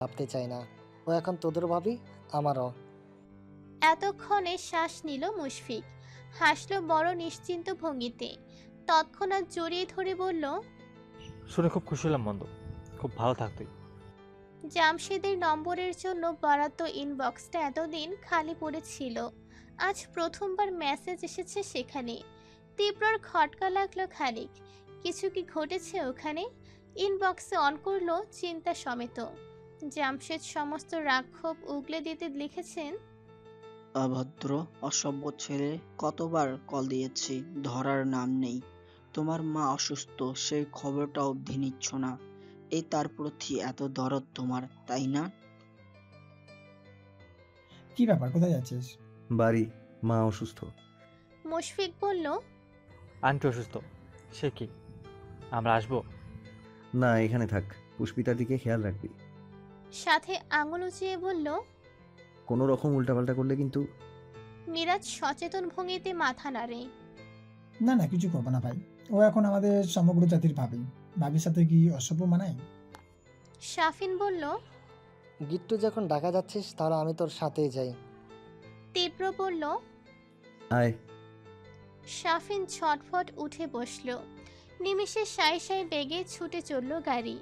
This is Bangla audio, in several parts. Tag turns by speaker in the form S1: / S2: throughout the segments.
S1: ভাবতে চাই না। ও এখন তোদের ভাবি, আমারও।
S2: এতক্ষণে শ্বাস নিল মুশফিক, হাসল বড় নিশ্চিন্ত ভঙ্গিতে, তৎক্ষণাৎ জড়িয়ে ধরে বলল,
S3: শুনে খুব খুশি হলাম বন্ধু, খুব ভালো থাক তুই।
S2: জামশেদের নম্বরের জন্য বরাদ্দ ইনবক্সটা এতদিন খালি পড়েছিল, আজ প্রথমবার মেসেজ এসেছে সেখানে। তীব্রর খটকা লাগলো খানিক, কিছু কি ঘটেছে ওখানে? ইনবক্সে অন করলো চিন্তা সমেত। জামশেদ সমস্ত রাক্ষোভ উগলে দিতে লিখেছেন,
S4: অভদ্র অসভ্য ছেলে, কতবার কল দিয়েছি, ধরার নাম নেই। তোমার মা অসুস্থ, সেই খবরটা অবধি নিচ্ছ না। এই তার প্রতি এত দরদ তোমার, তাই না?
S5: কি ব্যাপার, কোথায় যাচ্ছিস?
S6: বাড়ি, মা অসুস্থ।
S2: মুশফিক বলল,
S3: আন্টি অসুস্থ, সে কি, আমরা আসবো?
S6: না, এখানে থাক, পুষ্পিতার দিকে খেয়াল রাখবি।
S2: সাথে আঙুল উঁচিয়ে বলল।
S6: কোনো রকম উল্টাপাল্টা করলে কিন্তু।
S2: মিরাজ সচেতন ভঙ্গিতে মাথা নাড়ে।
S5: না না, কিছু করবো না ভাই। ও এখন আমাদের সমগ্র জাতির ভাবি। ভাবির সাথে কি অসভ্য মানায়?
S2: শাফিন বলল।
S1: গিট্টু যখন ডাকা যাচ্ছিস তাহলে আমি তোর সাথেই যাই।
S2: তীব্র বলল।
S6: আয়।
S2: শাফিন ছটফট উঠে বসল। নিমিষে সাই সাই বেগে ছুটে চলল গাড়ি।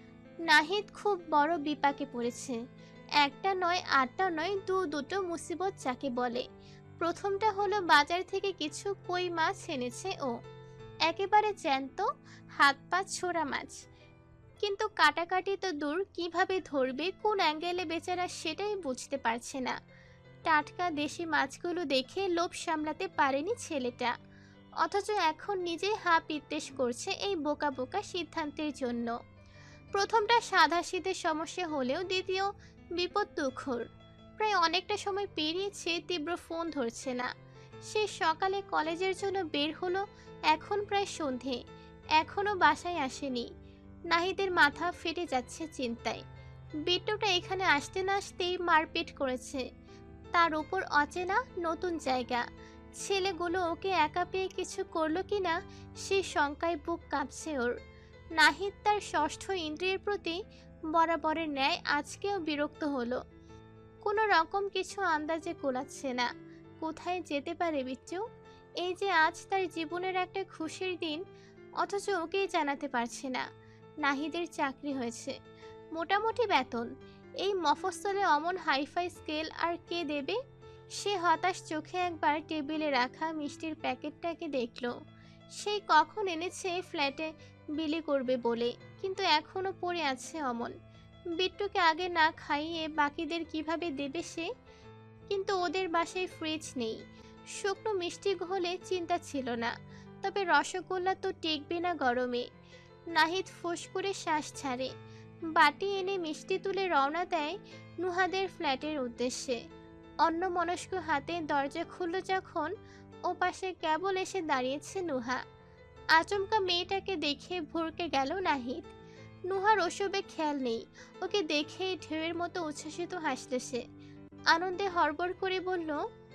S2: নাহিদ খুব বড় বিপাকে পড়েছে। একটা নয়, আটটা নয়, দুটো মুসিবত যাকে বলে। প্রথমটা হলো বাজার থেকে কিছু কই মাছ এনেছে ও, একেবারে জ্যান্ত, হাত পা ছোড়া মাছ। কিন্তু কাটাকাটি তো দূর, কিভাবে ধরবে, কোন অ্যাঙ্গেলে বেচারা সেটাই বুঝতে পারছে না। টাটকা দেশি মাছগুলো দেখে লোভ সামলাতে পারেনি ছেলেটা, অথচ এখন নিজেই হা পিত্তেশ করছে এই বোকা বোকা সিদ্ধান্তের জন্য। প্রথমটা সাধাসিধে সমস্যা হলেও দ্বিতীয় বিপদ তুখর। প্রায় অনেকটা সময় পেরিয়েছে, তীব্র ফোন ধরছে না। সে সকালে কলেজের জন্য বের হলো, এখন প্রায় সন্ধে, এখনো বাসায় আসেনি। নাহিদের মাথা ফেটে যাচ্ছে চিন্তায়। বিট্টুটা এখানে আসতে না আসতেই মারপিট করেছে, তার উপর অচেনা নতুন জায়গা। ছেলেগুলো ওকে একা পেয়ে কিছু করলো কিনা সে শঙ্কায় বুক কাঁপছে ওর। নাহিদ তার ষষ্ঠ ইন্দ্রিয়ের প্রতি বরাবরের ন্যায় আজকেও বিরক্ত হলো। কোনো রকম কিছু আন্দাজে কোলাচ্ছে না। কোথায় যেতে পারে বিচ্চু? এই যে আজ তার জীবনের একটা খুশির দিন, অথচ ওকেই জানাতে পারছে না। নাহিদের চাকরি হয়েছে, মোটামুটি বেতন। এই মফস্বলে অমন হাইফাই স্কেল আর কে দেবে? সে হতাশ চোখে একবার টেবিলে রাখা মিষ্টির প্যাকেটটাকে দেখল। সেই কখন এনেছে ফ্ল্যাটে বিলি করবে বলে, কিন্তু এখনো পড়ে আছে অমন। বিট্টুকে আগে না খাইয়ে বাকিদের কিভাবে দেবে সে? কিন্তু ওদের বাসায় ফ্রিজ নেই। শুকনো মিষ্টি হলে চিন্তা ছিল না, তবে রসগোল্লা তো টিকবে না গরমে। নাহিদ ফোঁস করে শ্বাস ছাড়ে, বাটি এনে মিষ্টি তুলে রওনা দেয় নুহাদের ফ্ল্যাটের উদ্দেশ্যে। অন্যমনস্ক হাতে দরজা খুলল যখন, ওপাশে কেবল এসে দাঁড়িয়েছে নুহা। আচমকা মেয়েটাকে দেখে ভরকে গেল নাহিদ। নুহার ওসবে খেয়াল নেই, ওকে দেখে ঢেউয়ের মতো উচ্ছ্বসিত হাসল সে। আনন্দে হড়বড় করে বলল,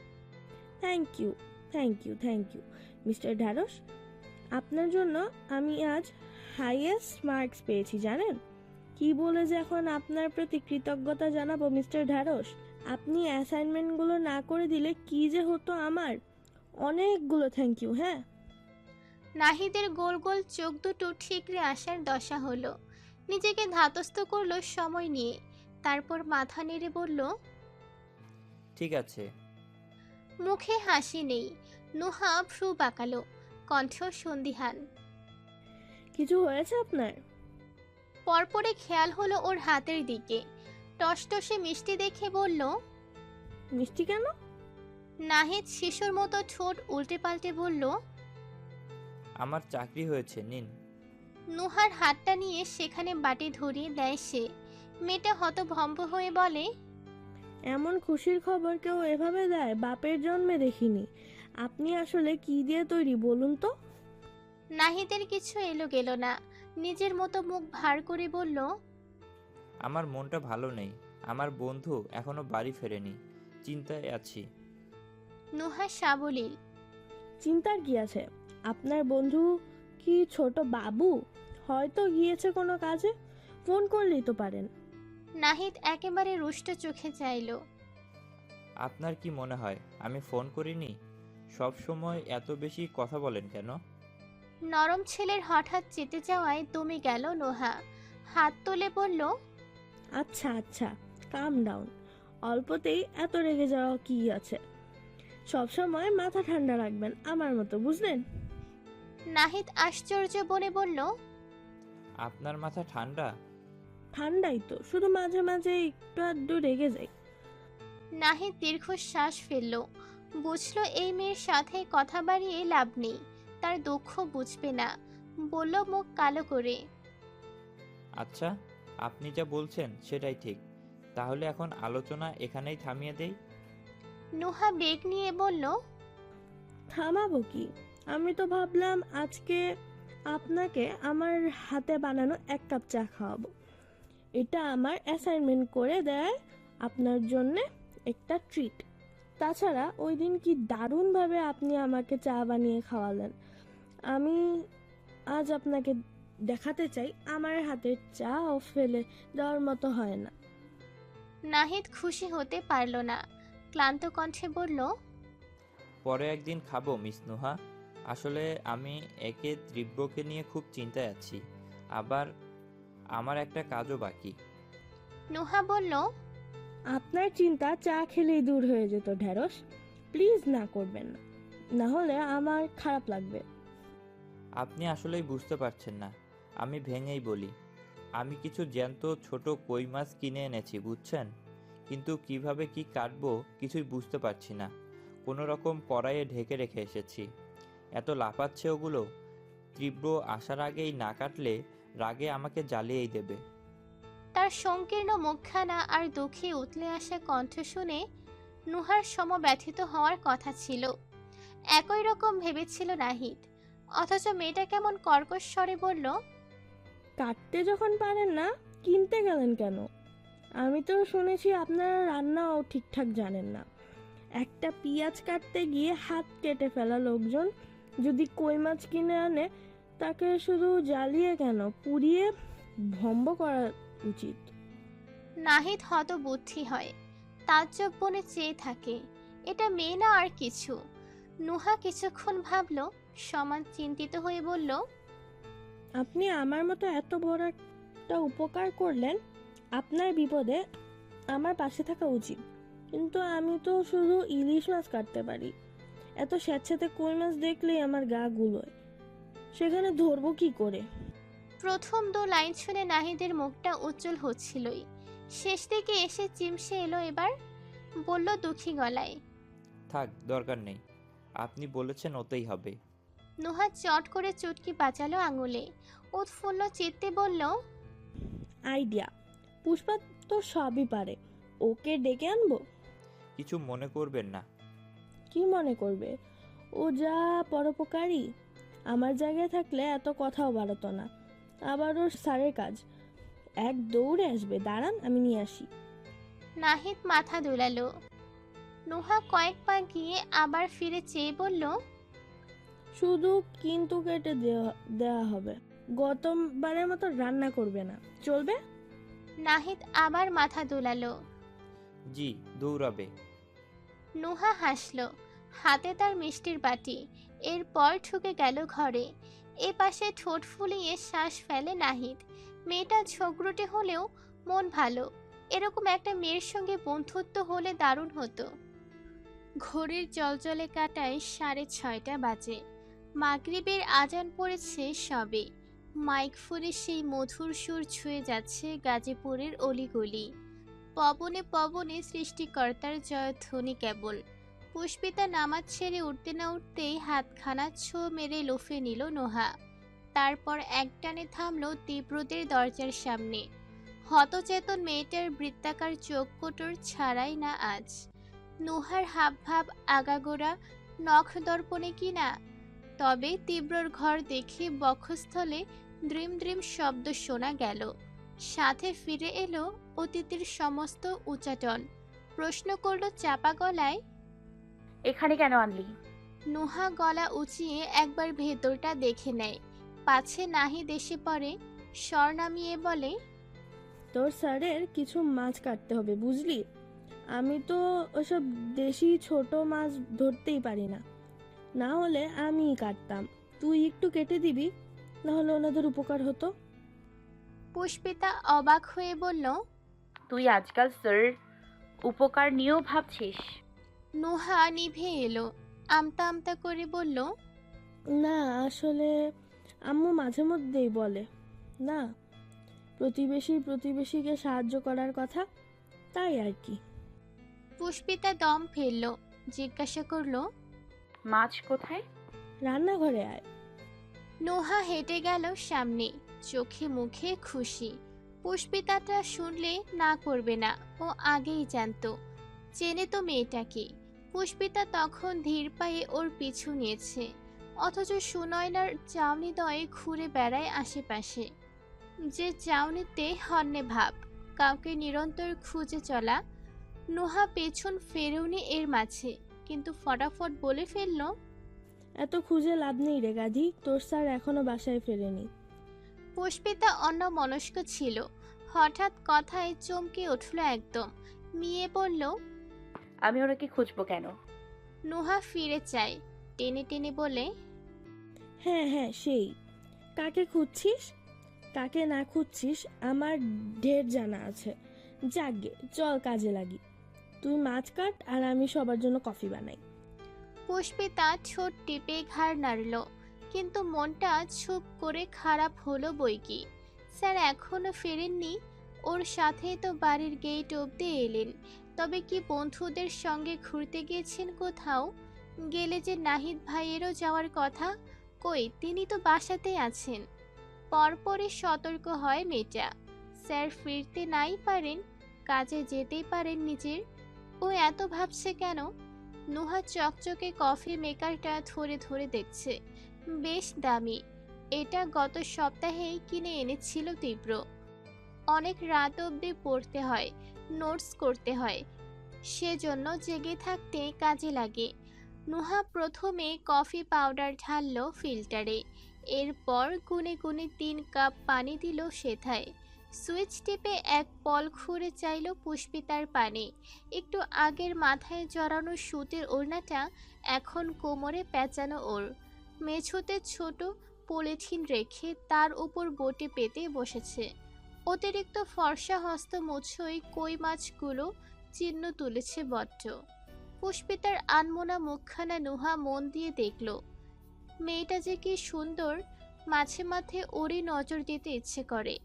S7: thank you, thank you, thank you mister ঢ্যাঁড়স। আপনার জন্য আমি আজ হাইয়েস্ট মার্কস পেয়েছি জানেন। কি বলে যে এখন আপনার প্রতি কৃতজ্ঞতা জানাবো মিস্টার ঢ্যাঁড়স। আপনি অ্যাসাইনমেন্টগুলো না করে দিলে কি যে হতো আমার। অনেকগুলো থ্যাংক ইউ। হ্যাঁ।
S2: নাহিদের গোল গোল চোখ দুটো ঠিকরে আসার দশা হলো। নিজেকে ধাতস্থ করলো সময় নিয়ে, তারপর মাথা নেড়ে বলল,
S8: ঠিক আছে।
S2: মুখে হাসি নেই। নুহা ভ্রু বাঁকালো, কণ্ঠ সন্দিহান।
S7: কিছু হয়েছে আপনার?
S2: পরপরে খেয়াল হলো ওর হাতের দিকে, টসটসে মিষ্টি দেখে বলল,
S7: মিষ্টি কেন?
S2: নাহিদ শিশুর মতো ঠোঁট উল্টে পাল্টে বলল,
S8: আমার চাকরি হয়েছে, নিন।
S2: নুহার হাতটা নিয়ে সেখানে বাটি ধরিয়ে দেয় সে। মেয়েটা হতভম্ব হয়ে বলে,
S7: এমন খুশির খবর কেউ এভাবে দেয় বাপের জন্মে দেখিনি। আপনি আসলে কি দিয়ে তৈরি বলুন তো?
S2: নাহিদের কিছু এলো গেল না, নিজের মতো মুখ ভার করে বলল,
S8: আমার মনটা ভালো নেই, আমার বন্ধু এখনো বাড়ি ফেরেনি, চিন্তায় আছি।
S2: নুহা সাবলীল।
S7: চিন্তার কি আছে? আপনার বন্ধু কি ছোট বাবু? হয়তো গিয়েছে কোনো কাজে, ফোন করলেই তো পারেন।
S2: নাহিদ একেবারে রুষ্ট চোখে চাইল।
S8: আপনার কি মনে হয় আমি ফোন করিনি? সব সময় এত বেশি কথা বলেন কেন?
S2: নরম ছেলের হঠাৎ চেতে যাওয়ায় দমে গেল নোহা। হাত তুলে বলল,
S7: আচ্ছা আচ্ছা, কাম ডাউন। অল্পতেই এত রেগে যাওয়া কি আছে? সবসময় মাথা ঠান্ডা রাখবেন আমার মতো, বুঝলেন?
S2: নাহিদ আশ্চর্য বনে বলল,
S8: আপনার মাথা ঠান্ডা?
S7: ঠান্ডাই তো, শুধু মাঝে মাঝে একটু আধটু রেগে যাই।
S2: নাহিদ দীর্ঘশ্বাস ফেলল। বুঝল এই মেয়ের সাথে কথা বাড়িয়ে লাভ নেই, তার দুঃখ বুঝবে না। বলল মুখ কালো করে,
S8: আচ্ছা, আপনি যা বলছেন সেটাই ঠিক। তাহলে এখন আলোচনা এখানেই থামিয়ে দেই।
S2: নুহা বেগ নিয়ে বলল,
S7: থামাবো কি? আমি তো ভাবলাম আজকে আপনাকে আমার হাতে বানানো 1 কাপ চা খাওয়াবো। এটা আমার অ্যাসাইনমেন্ট করে দেয় আপনার জন্য একটা ট্রিট। তাছাড়া ওই দিন কি দারুণভাবে আপনি আমাকে চা বানিয়ে খাওয়ালেন। আমি আজ আপনাকে দেখাতে চাই আমার হাতের চা ও ফেলে দেওয়ার মতো হয় না।
S2: নাহিদ খুশি হতে পারল না, ক্লান্ত কণ্ঠে বলল,
S8: পরে একদিন খাবো মিস নুহা। আসলে আমি একে তীব্রকে নিয়ে খুব চিন্তায় আছি, আবার আমার একটা কাজও বাকি।
S2: নুহা বলল,
S7: আপনার চিন্তা চা খেলেই দূর হয়ে যেত ঢেঁড়স। প্লিজ না করবেন না, না হলে আমার খারাপ লাগবে।
S8: আপনি আসলেই বুঝতে পারছেন না। আমি ভেঙেই বলি, আমি কিছু জ্যান্ত ছোট কই মাছ কিনে এনেছি, বুঝছেন? কিন্তু কিভাবে কি কাটবো কিছুই বুঝতে পারছি না। কোনো রকম কড়াইয়ে ঢেকে রেখে এসেছি। এত লাফাচ্ছে ওগুলো। তীব্র আসার আগেই না কাটলে রাগে আমাকে জ্বালিয়েই দেবে।
S2: তার সংকীর্ণ মুখখানা আর দুঃখে উতলে আসা কণ্ঠ শুনে নুহার সমব্যথিত হওয়ার কথা ছিল। একই রকম ভেবেছিল নাহিদ, অথচ মেয়েটা কেমন কর্কশ স্বরে বলল,
S7: কাটতে যখন পারেন না কিনতে গেলেন কেন? আমি তো শুনেছি আপনারা রান্নাও ঠিকঠাক জানেন না। একটা পেঁয়াজ কাটতে গিয়ে হাত কেটে ফেলা লোকজন যদি কই মাছ কিনে আনে, তাকে শুধু জ্বালিয়ে কেন, পুড়িয়ে ভম্ব করা উচিত।
S2: নাহিদ হতবুদ্ধি হয়, তাজ্জব বনে চেয়ে থাকে। এটা মেয়ে না আর কিছু। নুহা কিছুক্ষণ ভাবল, সমান চিন্তিত হয়ে বলল,
S7: আপনি আমার মতো এত বড় একটা উপকার করলেন, আপনার বিপদে আমার পাশে থাকা উচিত। কিন্তু আমি তো শুধু ইলিশ মাছ কাটতে পারি। এত স্যাঁতস্যাঁতে কই মাছ দেখলেই আমার গা গুলোয়। সেখানে ধরবো কি করে?
S2: প্রথম 2 লাইন শুনে নাহিদের মুখটা উজ্জ্বল হচ্ছিলই, শেষ দিকে এসে চিমসে এলো। এবার বলল দুঃখী গলায়,
S8: থাক, দরকার নেই। আপনি বলেছেন ওতেই হবে।
S2: নুহা চট করে চুটকি বাঁচালো আঙুলে। উৎফুল্ল চিত্তে বলল,
S7: আইডিয়া! পুষ্পা তো সবই পারে, ওকে ডেকে আনবো।
S8: কিছু মনে করবেন না।
S7: কি মনে করবে? ও যা পরোপকারী। আমার জায়গায় থাকলে এত কথাও বাড়াতো না। আবার ওর স্যারের কাজ, এক দৌড়ে আসবে। দাঁড়ান, আমি নিয়ে আসি।
S2: নাহিদ মাথা দোলালো। নুহা কয়েক পা গিয়ে আবার ফিরে চেয়ে বলল,
S7: শুধু কিন্তু কেটে দেওয়া হবে। গতবারের মতো রান্না করবে না, চলবে?
S2: নাহিদ আবার মাথা দোলালো।
S8: জি, দৌড়াবে।
S2: নুহা হাসল, হাতে তার মিষ্টির বাটি। এরপর ঢুকে গেল ঘরে। এ পাশে ঠোঁট ফুলিয়ে শ্বাস ফেলে নাহিদ। মেয়েটা ঝগড়ুটে হলেও মন ভালো। এরকম একটা মেয়ের সঙ্গে বন্ধুত্ব হলে দারুণ হতো। ঘড়ির জলজলে কাটায় 6:30 বাজে। মাগরিবের আজান পড়েছে সবে। মাইক ফোনে সেই মধুর সুর ছুঁয়ে যাচ্ছে গাজীপুরের অলিগলি। পবনে পবনে সৃষ্টিকর্তার জয়ধ্বনি কেবল। পুষ্পিতা নামাজ ছেড়ে উঠতে না উঠতেই হাতখানা ছো মেরে লুফে নিল নোহা। তারপর একটানে থামলো তীব্রদের দরজার সামনে। হতচেতন মেয়েটার বৃত্তাকার চোখ কোটর ছাড়াই না আজ। নোহার হাবভাব আগাগোড়া নখ দর্পণে কিনা। তবে তীব্রর ঘর দেখে বক্ষস্থলে দ্রিম দ্রিম শব্দ শোনা গেল। সাথে ফিরে এলো অতীতের সমস্ত উচাটন। প্রশ্ন করলো চাপা গলায়,
S9: এখানে কেন আনলি?
S2: নুহা গলা উঁচিয়ে একবার ভেতরটা দেখে নেয়, পাছে নাহিদ এসে পড়ে। স্বর নামিয়ে বলে,
S7: তোর স্যারের কিছু মাছ কাটতে হবে, বুঝলি? আমি তো ওসব দেশি ছোট মাছ ধরতেই পারি না, না হলে আমিই কাটতাম। তুই একটু কেটে দিবি, না হলে ওনাদের উপকার হতো।
S2: পুষ্পিতা অবাক হয়ে বলল।
S9: তুই আজকাল স্যার উপকার নিয়েও ভাবছিস?
S2: নুহা নিভে এলো, আমতা আমতা করে বলল।
S7: না, আসলে আম্মু মাঝে মধ্যেই বলে না, প্রতিবেশীকে সাহায্য করার কথা, তাই আর কি।
S2: পুষ্পিতা দম ফেলল, জিজ্ঞাসা করলো।
S9: মাছ কোথায়?
S7: রান্নাঘরে আয়।
S2: নোহা হেঁটে গেল সামনে, চোখে মুখে খুশি। পুষ্পিতাটা শুনলে না করবে না, ও আগেই জানতো, চেনে তো মেয়েটাকে। পুষ্পিতা তখন ধীর পায়ে ওর পিছু নিয়েছে, অথচ সুনয়নার চাউনি দয়ে ঘুরে বেড়ায় আশেপাশে। যে চাউনিতে হন্যে ভাব, কাউকে নিরন্তর খুঁজে চলা। নোহা পেছন ফেরেওনি এর মাঝে, কিন্তু ফটাফট বলে ফেলল।
S7: এত খুঁজে লাভ নেই রে গাধি, তোর স্যার এখনো বাসায় ফেরেনি।
S2: পুষ্পিতা অন্যমনস্ক ছিল, হঠাৎ কথায় চমকে উঠল একদম, মিয়ে বলল।
S9: আমি ওনাকে খুঁজবো কেন?
S2: নুহা ফিরে চায়, টেনে টেনে বলে।
S7: হ্যাঁ হ্যাঁ, সেই। কাকে খুঁজছিস, কাকে না খুঁজছিস আমার ঢের জানা আছে। যাগে, চল কাজে লাগি। তুই মাছ কাট আর আমি সবার জন্য কফি বানাই।
S2: পুষ্পিতা ঠোঁট টিপে ঘাড় নাড়ল, কিন্তু মনটা চুপ করে খারাপ হলো বইকি। স্যার এখনো ফেরেননি, ওর সাথে তো বাড়ির গেট অবধি এলেন। তবে কি বন্ধুদের সঙ্গে ঘুরতে গিয়েছেন কোথাও? গেলে যে নাহিদ ভাইয়েরও যাওয়ার কথা, কই তিনি তো বাসাতেই আছেন। পরপরই সতর্ক হয় মেয়েটা। স্যার ফিরতে নাই পারেন, কাজে যেতেই পারেন নিজের। ও এত ভাবছে কেন? নুহা চকচকে কফি মেকারটা ধরে ধরে দেখছে, বেশ দামি। এটা গত সপ্তাহেই কিনে এনেছিল তীব্র। অনেক রাত অবধি পড়তে হয়, নোটস করতে হয়, সেজন্য জেগে থাকতে কাজে লাগে। নুহা প্রথমে কফি পাউডার ঢালল ফিল্টারে, এরপর গুনে গুনে 3 কাপ পানি দিল সেথায়। সুইচ টিপে এক পল ঘুরে চাইল পুষ্পিতার পানে। একটু আগের মাথায় জড়ানো সুতির ওড়নাটা এখন কোমরে পেঁচানো ওর। মেঝোতে ছোট পলিথিন রেখে তার উপর বটে পেতে বসেছে। অতিরিক্ত ফর্সা হস্ত মুছোই কই মাছগুলো চিহ্ন তুলেছে বড্ড। পুষ্পিতার আনমোনা মুখখানা নুহা মন দিয়ে দেখল। মেয়েটা যে কি সুন্দর, মাঝে মাঝে ওরই নজর দিতে ইচ্ছে করে।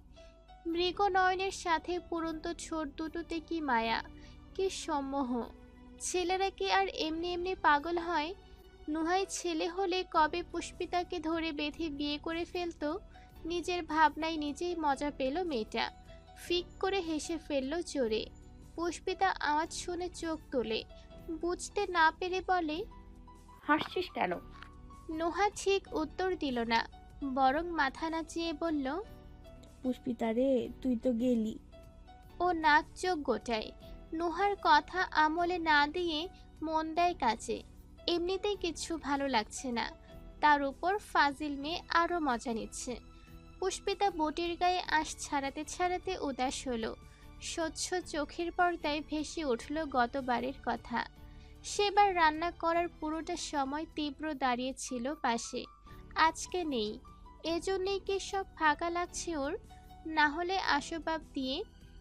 S2: মৃগ নয়নের সাথে পুরন্ত ছোট দুটোতে কি মায়া, কি সম্মোহ। ছেলেরা কি আর এমনি এমনি পাগল হয়? নুহাই ছেলে হলে কবে পুষ্পিতাকে ধরে বেঁধে বিয়ে করে ফেলতো। নিজের ভাবনায় নিজেই মজা পেল মেয়েটা, ফিক করে হেসে ফেলল জোরে। পুষ্পিতা আওয়াজ শুনে চোখ তোলে, বুঝতে না পেরে বলে।
S9: হাসছিস কেন?
S2: নুহা ঠিক উত্তর দিল না, বরং মাথা নাচিয়ে বলল।
S7: পুষ্পিতা রে, তুই তো গেলি।
S2: ও নাক চোখ গোটায়, নুহার কথা আমলে না দিয়ে মন দেয় কাজে। এমনিতেই কিছু ভালো লাগছে না, তার উপর ফাজিল মেয়ে আরও মজা নিচ্ছে। পুষ্পিতা বটির গায়ে আঁশ ছাড়াতে ছাড়াতে উদাস হলো। স্বচ্ছ চোখের পর্দায় ভেসে উঠল গতবারের কথা। সেবার রান্না করার পুরোটা সময় তীব্র দাঁড়িয়েছিল পাশে, আজকে নেই। এজন্যই কি সব ফাঁকা লাগছে ওর? না হলে আসবাব দিয়ে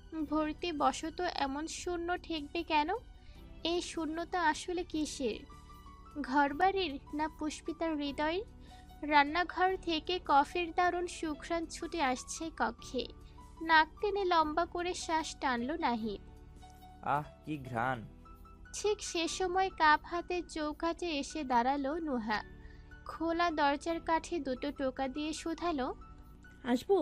S2: ভর্তি বশত এমন শূন্য ঠেকবে কেন? এই শূন্যতা আসলে কিসের? ঘরবাড়ির না পুষ্পিতার হৃদয়ের? রান্নাঘর থেকে কফির দারুণ সুঘ্রাণ ছুটে আসছে কক্ষে। নাক টেনে লম্বা করে শ্বাস টানল নাহিদ।
S8: আহ, কি ঘ্রাণ!
S2: ঠিক সে সময় কাপ হাতে চৌকাঠে এসে দাঁড়ালো নুহা। খোলা দরজার কাঠে দুটো টোকা দিয়ে শুধালো।
S7: আসবো?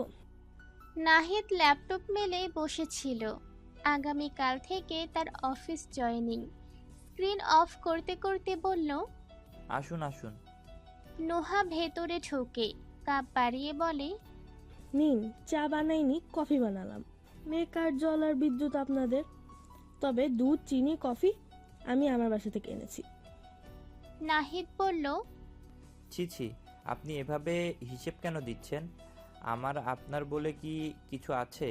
S2: নাহিদ ল্যাপটপ মেলে বসেছিল। আগামীকাল থেকে তার অফিস জয়েনিং। স্ক্রিন অফ করতে করতে বলল।
S8: আসুন আসুন।
S2: নুহা ভেতরে ঢোকে, কাপ বাড়িয়ে বলে।
S7: নিন, চা বানাইনি, কফি বানালাম। মেকার, জল আর বিদ্যুৎ আপনাদের। তবে দুধ, চিনি, কফি আমি আমার বাসা থেকে এনেছি।
S2: নাহিদ বলল।
S8: ছি ছি, আপনি এভাবে হিসেব কেন দিচ্ছেন? আমার আপনার বলে কি কিছু আছে?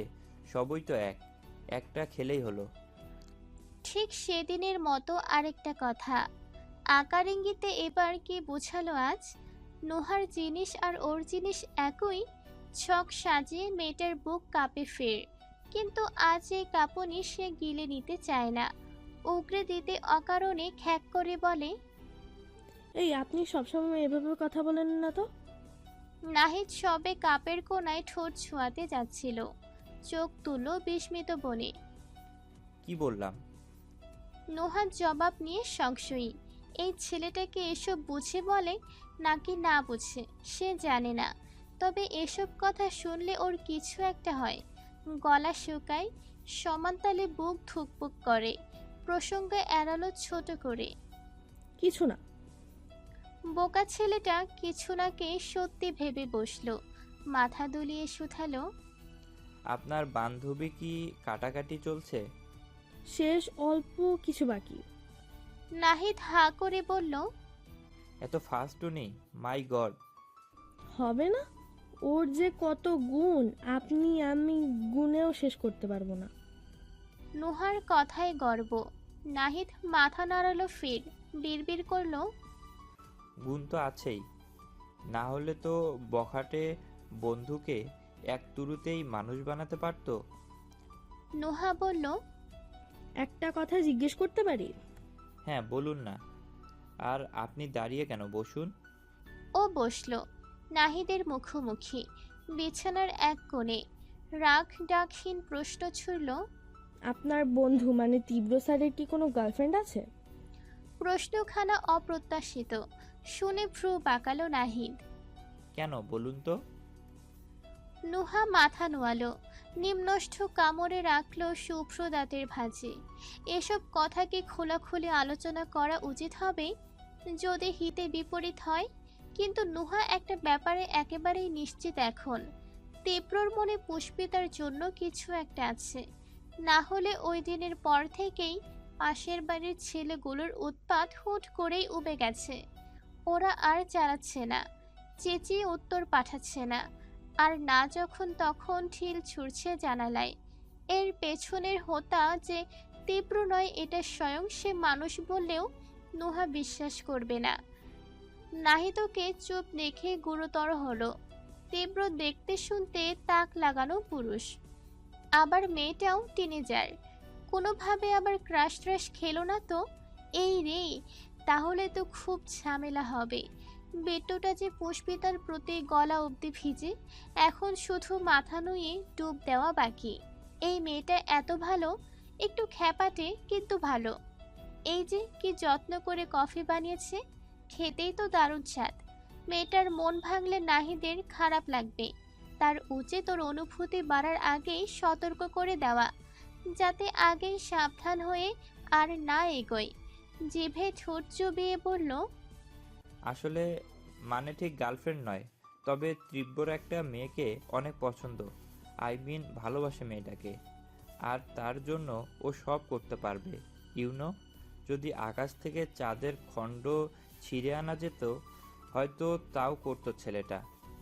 S8: সবই তো এক, একটা খেলেই হলো।
S2: ঠিক সেদিনের মতো আরেকটা কথা। আকার ইঙ্গিতে এবার কি বোঝালো আজ? নোহার জিনিস আর ওর জিনিস একই। ছক সাজিয়ে মেয়েটার বুক কাঁপে ফের, কিন্তু আজ এই কাঁপুনি সে গিলে নিতে চায় না, উগরে দিতে অকারণে খ্যাক করে বলে,
S7: এই আপনি সবসময় এভাবে কথা বলেন না তো।
S2: নাহিদ সবে কাপের কোনায় ঠোঁট ছোঁয়াতে যাচ্ছিল, চোখ তুলো বিস্মিত বনে।
S8: কি বললাম?
S2: নোহার জবাব নিয়ে সংশয়ী। এই ছেলেটাকে এসব বুঝে বলে নাকি না বুঝে সে জানে না, তবে এসব কথা শুনলে ওর কিছু একটা হয়। গলা শুকায়, সমানতালে বুক ধুকপুক করে। প্রসঙ্গ এড়ালো ছোট করে।
S7: কিছু না।
S2: বোকা ছেলেটা কিছু নাকে সত্যি ভেবে বসলো, মাথা দুলিয়ে শুধালো,
S8: আপনার বান্ধবী কি কাটাকাটি চলছে?
S7: শেষ অল্প কিছু বাকি।
S2: নাহিদ হা করে বলল,
S8: এত ফাস্টও নেই, মাই গড।
S7: হবে না, ওর যে কত গুণ আপনি আমি গুণেও শেষ করতে পারবো না।
S2: নুহার কথায় গর্ব। নাহিদ মাথা নাড়ালো ফির, বিড়বিড় করলো,
S8: গুণ তো আছেই, না হলে তো বখাটে বন্ধুকে এক তুরুতেই মানুষ বানাতে পারতো।
S2: নুহা বলল,
S7: একটা কথা জিজ্ঞেস করতে পারি?
S8: হ্যাঁ বলুন না। আর আপনি দাঁড়িয়ে কেন, বসুন।
S2: ও বসলো নাহিদের মুখোমুখি, বিছানার এক কোণে। রাগ ডাকহীন প্রশ্ন ছুড়ল,
S7: আপনার বন্ধু মানে তীব্র স্যারের কি কোনো গার্লফ্রেন্ড আছে?
S2: প্রশ্নখানা অপ্রত্যাশিত, শুনে ভ্রু বাঁকালো নাহিদ।
S8: কেন বলুন তো?
S2: নুহা মাথা নোয়ালো, নিম্নষ্ঠ কামড়ে রাখলো শুভ্র দাঁতের ভাঁজে। এসব কথা কি খোলাখুলি আলোচনা করা উচিত হবে? যদি হিতে বিপরীত হয়। কিন্তু নুহা একটা ব্যাপারে একেবারেই নিশ্চিত এখন, তীব্রর মনে পুষ্পিতার জন্য কিছু একটা আছে। না হলে ওই দিনের পর থেকেই পাশের বাড়ির ছেলেগুলোর উৎপাত হুট করেই উবে গেছে। ওরা আর চালাচ্ছে না, চেঁচিয়ে উত্তর পাঠাচ্ছে না, আর না যখন তখন ঢিল ছুড়ছে জানালায়। এর পেছনের হোতা যে তীব্র নয় এটা স্বয়ং সে মানুষ বললেও নুহা বিশ্বাস করবে না। নাহিদকে চুপ দেখে গুরুতর হলো। তীব্র দেখতে শুনতে তাক লাগানো পুরুষ, আবার মেয়েটাও টিনেজার, কোনোভাবে আবার ক্রাশ ট্রাশ খেলো না তো? এই রে, তাহলে তো খুব ঝামেলা হবে। বেটুটা যে পুষ্পিতার প্রতি গলা অবধি ভিজে, এখন শুধু মাথা নুয়ে ডুব দেওয়া বাকি। এই মেয়েটা এত ভালো, একটু খ্যাপাটে কিন্তু ভালো। এই যে কি যত্ন করে কফি বানিয়েছে, খেতেই তো দারুণ স্বাদ। মেয়েটার মন ভাঙলে নাহিদের খারাপ লাগবে, তার উচিত ওর অনুভূতি বাড়ার আগেই সতর্ক করে দেওয়া, যাতে আগেই সাবধান হয়ে আর না এগোয়। জিভে ঠোঁট চুবিয়ে বলল,
S8: আসলে মানে ঠিক গার্লফ্রেন্ড নয়, তবে তীব্র একটা মেয়েকে অনেক পছন্দ। আই মিন ভালোবাসে মেয়েটাকে, আর তার জন্য ও সব করতে পারবে। ইউনো, যদি আকাশ থেকে চাঁদের খণ্ড ছিঁড়ে আনা যেত হয়তো তাও করতো ছেলেটা।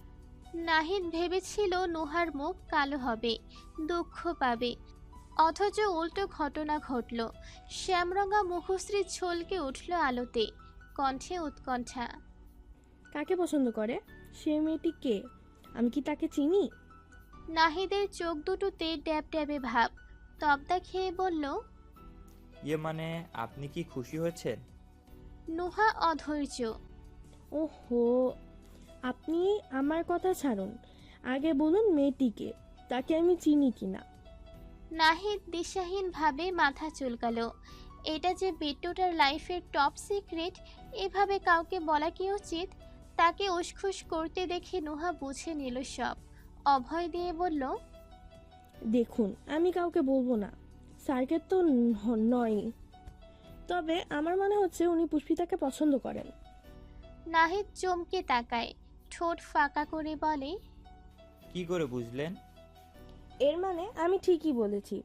S2: নাহিদ ভেবেছিল নুহার মুখ কালো হবে, দুঃখ পাবে, অথচ উল্টো ঘটনা ঘটল। শ্যামরঙা মুখশ্রী ছলকে উঠল আলোতে, কণ্ঠে উৎকণ্ঠা।
S7: কাকে পছন্দ করে? সে মেয়েটি কে? আমি কি তাকে চিনি?
S2: নাহিদের চোখ দুটোতে ড্যাব ড্যাবে ভাব, তবদা খেয়ে বলল,
S8: ইয়ে মানে আপনি কি খুশি হয়েছেন?
S2: নুহা অধৈর্য।
S7: ওহো, আপনি আমার কথা ছাড়ুন, আগে বলুন মেয়েটিকে, তাকে আমি চিনি কিনা।
S2: নাহিদ দিশাহীনভাবে মাথা চুলকালো। এটা যে বিট্টুটার লাইফের টপ সিক্রেট, এভাবে কাউকে বলা কি উচিত? তাকে উসখুস করতে দেখে নুহা বুঝে নিল সব, অভয় দিয়ে বলল,
S7: দেখুন, আমি কাউকে বলবো না, স্যারকে তো নয়, তবে আমার মনে হচ্ছে উনি পুষ্পিতাকে পছন্দ করেন।
S2: নাহিদ চমকে তাকায়, ঠোঁট ফাঁকা করে বলে,
S8: কি করে বুঝলেন?
S7: এর মানে আমি ঠিকই বলেছি।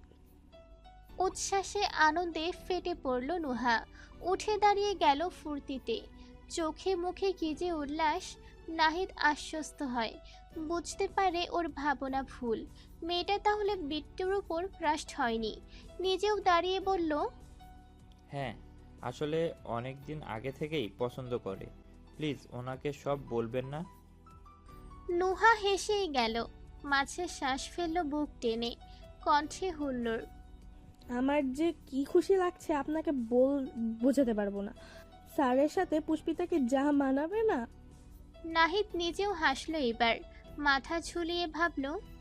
S2: উচ্ছ্বাসে আনন্দে ফেটে পড়ল নুহা, উঠে দাঁড়িয়ে গেল ফুর্তিতে, চোখে মুখে কি যে উল্লাস। নাহিদ আশ্বস্ত হয়, বুঝতে পারে ওর ভাবনা ভুল। মেয়েটা তাহলে বিট্টুর উপর ক্রাস্ট হয়নি। নিজেও দাঁড়িয়ে বলল,
S8: হ্যাঁ, আসলে অনেক দিন আগে থেকেই পছন্দ করে। প্লিজ ওনাকে সব বলবেন না।
S2: নুহা হেসেই গেল, মাঝে শ্বাস ফেলল বুক টেনে, কণ্ঠে হুল্লোড়।
S7: আমার যে কি খুশি লাগছে আপনাকে বোঝাতে পারবো না। স্যারের সাথে পুষ্পিতাকে যা মানাবে না।
S2: নাহিদ নিজেও হাসলো এবার, মাথা ঝুলিয়ে ভাবল,